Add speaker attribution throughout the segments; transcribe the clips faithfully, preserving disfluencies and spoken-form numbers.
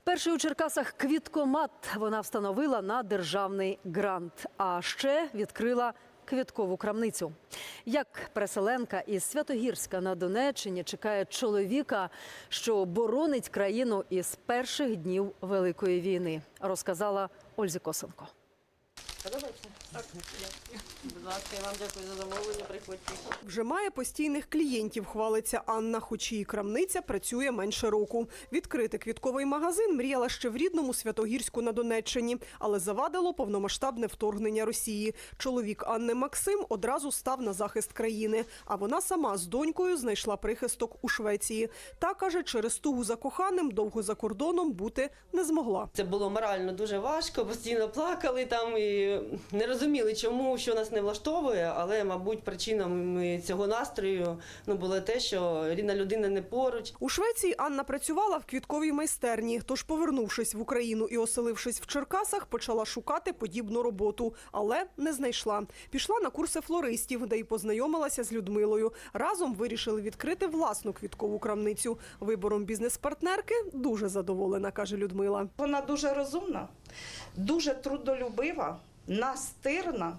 Speaker 1: Перший у Черкасах квіткомат вона встановила на державний грант, а ще відкрила квіткову крамницю. Як переселенка із Святогірська на Донеччині чекає чоловіка, що боронить країну із перших днів Великої війни, розказала Ользі Косенко.
Speaker 2: Подобається? Так, дякую. Будь ласка, я вам дякую за замовлення, приходьте.
Speaker 3: Вже має постійних клієнтів, хвалиться Анна, хоч її крамниця працює менше року. Відкрити квітковий магазин мріяла ще в рідному Святогірську на Донеччині, але завадило повномасштабне вторгнення Росії. Чоловік Анни Максим одразу став на захист країни, а вона сама з донькою знайшла прихисток у Швеції. Та, каже, через тугу за коханим довго за кордоном бути не змогла.
Speaker 2: Це було морально дуже важко, постійно плакали там і не розуміли, чому, що нас не влаштовує, але, мабуть, причиною цього настрою ну, було те, що рідна людина не поруч.
Speaker 3: У Швеції Анна працювала в квітковій майстерні, тож, повернувшись в Україну і оселившись в Черкасах, почала шукати подібну роботу, але не знайшла. Пішла на курси флористів, де й познайомилася з Людмилою. Разом вирішили відкрити власну квіткову крамницю. Вибором бізнес-партнерки дуже задоволена, каже Людмила.
Speaker 4: Вона дуже розумна, дуже трудолюбива, настирна.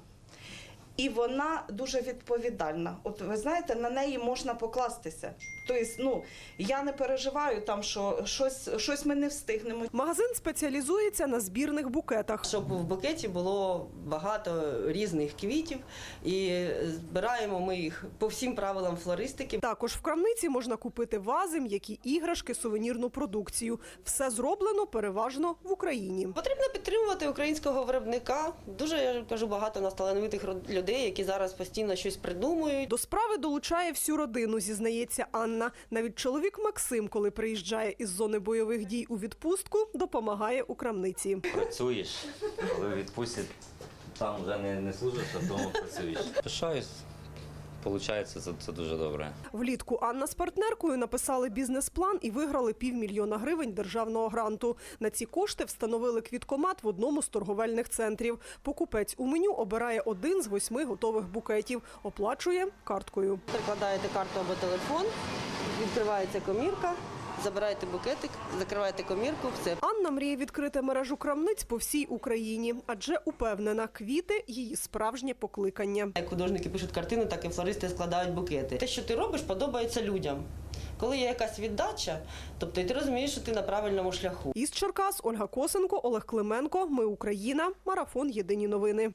Speaker 4: І вона дуже відповідальна. От ви знаєте, на неї можна покластися. Тобто, ну, я не переживаю там, що щось, щось ми не встигнемо.
Speaker 3: Магазин спеціалізується на збірних букетах.
Speaker 2: Щоб в букеті було багато різних квітів і збираємо ми їх по всім правилам флористики.
Speaker 3: Також в крамниці можна купити вази, м'які іграшки, сувенірну продукцію. Все зроблено переважно в Україні.
Speaker 2: Потрібно підтримувати українського виробника. Дуже, я кажу, багато у нас талановитих людей, які зараз постійно щось придумують.
Speaker 3: До справи долучає всю родину, зізнається Анна. Навіть чоловік Максим, коли приїжджає із зони бойових дій у відпустку, допомагає у крамниці.
Speaker 5: Працюєш, коли відпустять, там вже не, не служиш, а вдома працюєш. Пишаюсь. Получається, це, це дуже добре.
Speaker 3: Влітку Анна з партнеркою написали бізнес-план і виграли півмільйона гривень державного гранту. На ці кошти встановили квіткомат в одному з торговельних центрів. Покупець у меню обирає один з восьми готових букетів. Оплачує карткою.
Speaker 2: Прикладаєте карту або телефон, відкривається комірка, забираєте букетик, закриваєте комірку, все.
Speaker 3: Анна мріє відкрити мережу крамниць по всій Україні, адже упевнена, квіти – її справжнє покликання.
Speaker 2: Як художники пишуть картини, так і флористи складають букети. Те, що ти робиш, подобається людям. Коли є якась віддача, тобто і ти розумієш, що ти на правильному шляху.
Speaker 3: Із Черкас Ольга Косенко, Олег Клименко. Ми Україна. Марафон. Єдині новини.